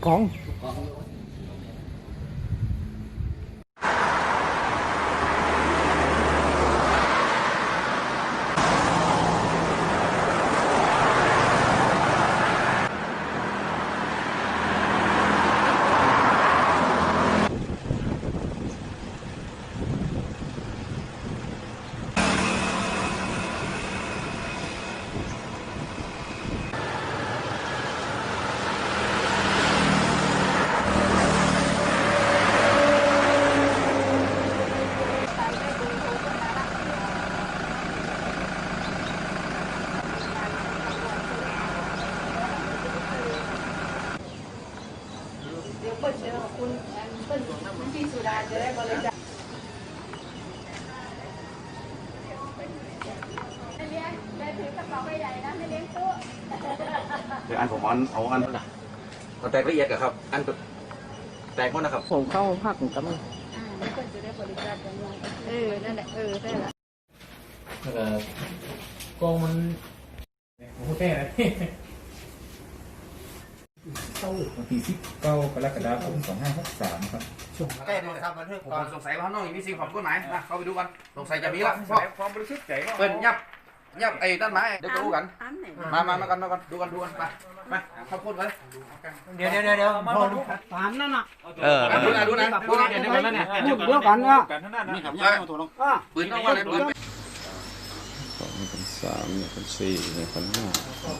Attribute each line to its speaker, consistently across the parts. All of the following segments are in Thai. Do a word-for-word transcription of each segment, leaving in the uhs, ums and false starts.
Speaker 1: กอง
Speaker 2: เปิดเจอคุณเปิดพี่สุดาจะได้บริจาคไม่เลี้ยงได้ถือกระเป๋าใหญ่นะไม่เลี้ยงตู้
Speaker 3: เดี๋ยวอันผมเอาเอาอันเอาแตกละเอียดกับครับอันแตกหมดนะครับ
Speaker 1: ผมเข้าภาคกับมัน
Speaker 2: อ่าไม่ควรจะได้บริจาคกันเออนั่นแหละเออได้ละ
Speaker 4: แล้วก็กองมันโอ้โหแก่เลยวันที่สิบเก้ากรกฎาคมสองห้าหกสามครับ
Speaker 3: แก้เลยครับบันทึกก่อนสงสัยว่าน้องมีสิ่งของกฎหมายนะเข้าไปดูกันสงสัยจะมีละเพราะความบริสุทธิ์ใจเปิ้นยับยับไอ้ต้นไม้เดี๋ยวจะรู้กันมามามากันมากันดูกันดูกันไปไปข้าวโพดไป
Speaker 1: เดี๋ยวเดี๋ยวเดี๋ยวเดี๋ยวพอดูตามนั่นน่ะ
Speaker 3: เออดูนะดูนะดูนะ
Speaker 1: เดี๋ยวกันเนี่ยเดี๋ยวกันอ่ะ
Speaker 3: นี่ครับยังไม่ถูกลงปืนต้องว่าอะไรปืน
Speaker 5: สองพันสามหนึ่งพันสี่หนึ่งพันห้า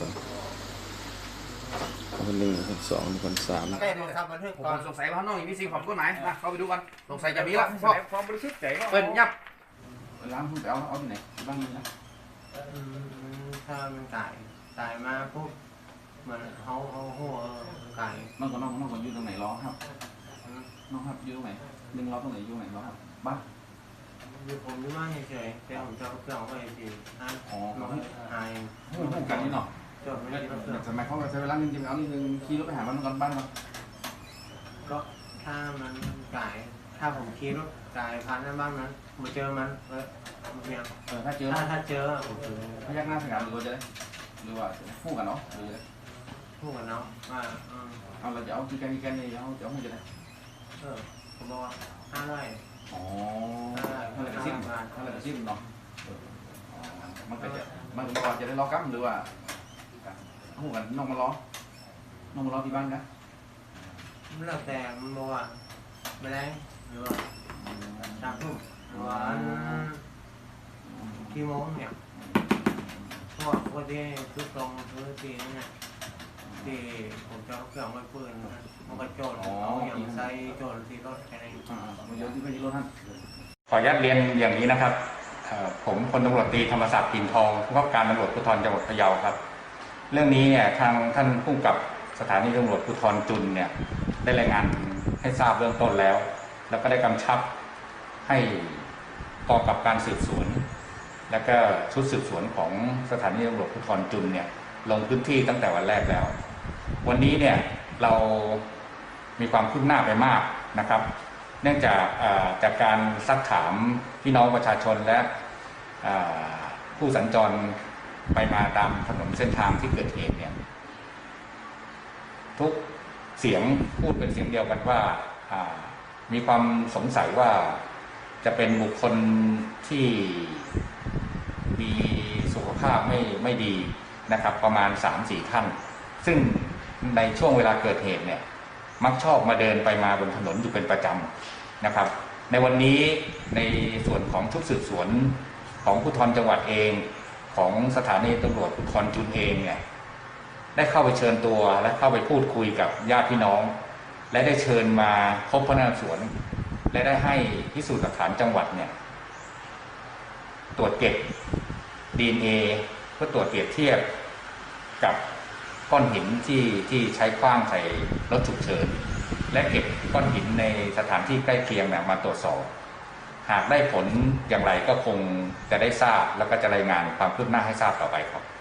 Speaker 5: คนหนึ่งคนสองคนสาม
Speaker 3: แก้เลยครับบันทึกก่อนสงสัยว่าน้องมีสิ่งของกฎหมายนะเข้าไปดูกันสงสัยจะมีละเพราะความบริสุทธิ์ใจเปิ้นยับล้างคุณไปเอาเอาที่ไหนบ้างนะ
Speaker 6: ถ้ามันตายตายมาปุ๊บมันเขาเขาหัวไก่
Speaker 3: น้องก็น้องน้องคนอยู่ตรงไหนล้อครับน้องครับอยู่ตรงไหนดึงล้อตรงไหนอยู่ไหนล้อครับบ้า
Speaker 6: อยู่ผมอยู่บ้านเฉยๆแต่ผมจะเอาเครื่องไปสิอ่ะอ๋อหาย
Speaker 3: พูดกันนี่เนาะ
Speaker 6: จบไม่ได้เครื่อง
Speaker 3: ทำไมเขาใช้เวลาหนึ่งจริงๆเอานี่หนึ่งขี่รถไปหามันก่อนบ้านเนาะ
Speaker 6: ก็ถ้ามันไก่ถ้าผมขี่รถไก่พันนั้นบ้านนั้นมาเจอมันเออเนี่ย
Speaker 3: เออถ้าเจอ
Speaker 6: ถ้าถ้าเจอผมคือ
Speaker 3: พยักหน้าสกัดหรือว่าจะได้หรือว่าพูดกันเนาะหรือ
Speaker 6: พูดกันเนาะว่า
Speaker 3: เอาเราจะเอากี่แกนกี่แกนเนี่ยเอาจะเอาให้จะได้
Speaker 6: เออผมบอกว่าห้าร้อย
Speaker 3: อ๋อถ้าเราจะซิมถ้าเราจะซิมเนาะมันก็จะมันก็จะได้ล้อกั้มหรือว่าพูดกันน้องมาล้อน้องมาล้อที่บ้านนะ
Speaker 6: ไม่แล้วแต่มันบอกว่าไม่ได้หรือว่าสามทุ่มหรือว่ากี่โมงเนี่ยเพราะว่าที่คือตรงคือที่นี่ที่ผมจะเอาเครื่องไว้ปืนมันก็โจรเอาอย่างใส่โจรที่รถแค่นี้
Speaker 3: มันเยอะที่ไม่ใช่รถท่าน
Speaker 7: ขออนุญาตเรียนอย่างนี้นะครับผมพลตำรวจตรีธรรมศักดิ์ปิ่นทองผู้บังคับการตำรวจภูธรจังหวัดพะเยาครับเรื่องนี้เนี่ยทางท่านผู้กำกับสถานีตำรวจภูธรจุนเนี่ยได้รายงานให้ทราบเบื้องต้นแล้ว แล้วก็ได้กำชับให้กองกำกับการสืบสวนและก็ชุดสืบสวนของสถานีตำรวจภูธรจุนเนี่ยลงพื้นที่ตั้งแต่วันแรกแล้ววันนี้เนี่ยเรามีความคืบหน้าไปมากนะครับเนื่องจากจากการซักถามพี่น้องประชาชนและผู้สัญจรไปมาตามถนนเส้นทางที่เกิดเหตุเนี่ยทุกเสียงพูดเป็นเสียงเดียวกันว่ามีความสงสัยว่าจะเป็นบุคคลที่มีสุขภาพไม่ไม่ดีนะครับประมาณ สามถึงสี่ ท่านซึ่งในช่วงเวลาเกิดเหตุเนี่ยมักชอบมาเดินไปมาบนถนนอยู่เป็นประจำนะครับในวันนี้ในส่วนของชุดสืบสวนของภูธรจังหวัดเองของสถานีตำรวจภูธรจุนเองเนี่ยได้เข้าไปเชิญตัวและเข้าไปพูดคุยกับญาติพี่น้องและได้เชิญมาพบพนักงานสวนและได้ให้พิสูจน์หลักฐานจังหวัดเนี่ยตรวจเก็บ ดี เอ็น เอ เพื่อตรวจเปรียบเทียบกับก้อนหินที่ที่ใช้ขว้างใส่รถฉุกเฉินและเก็บก้อนหินในสถานที่ใกล้เคียงมาตรวจสอบหากได้ผลอย่างไรก็คงจะได้ทราบแล้วก็จะรายงานความคืบหน้าให้ทราบต่อไปครับ